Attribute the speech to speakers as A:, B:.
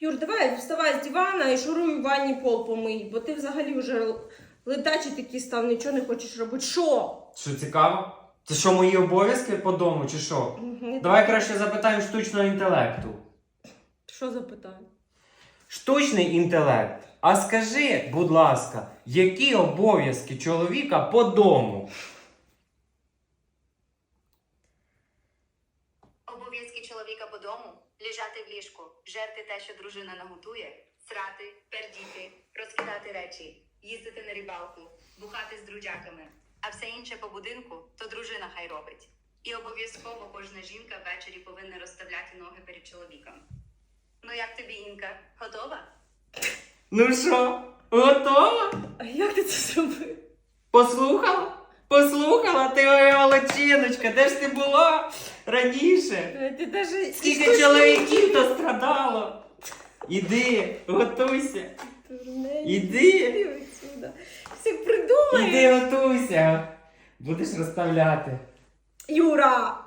A: Юр, давай вставай з дивана і шуруй у ванні пол помий, бо ти взагалі вже летачий такий став, нічого не хочеш робити. Що?
B: Що, цікаво? Це що, мої обов'язки по дому, чи що? Давай краще запитаємо штучного інтелекту.
A: Що запитаю?
B: Штучний інтелект. А скажи, будь ласка, які обов'язки чоловіка по дому?
C: Обов'язки чоловіка по дому – лежати в ліжку, жерти те, що дружина наготує, срати, пердіти, розкидати речі, їздити на рибалку, бухати з друзяками. А все інше по будинку – то дружина хай робить. І обов'язково кожна жінка ввечері повинна розставляти ноги перед чоловіком. Ну як тобі, Інка, готова?
B: Ну що, готова?
A: А як ти це зробив?
B: Послухала? Послухала? Ти моя молодчиночка, де ж ти була раніше?
A: Ти даже...
B: Скільки чоловіків то страдало? Іди, готуйся. Іди.
A: Іди отсюда. Все придумаєш.
B: Іди готуйся. Будеш розставляти.
A: Юра!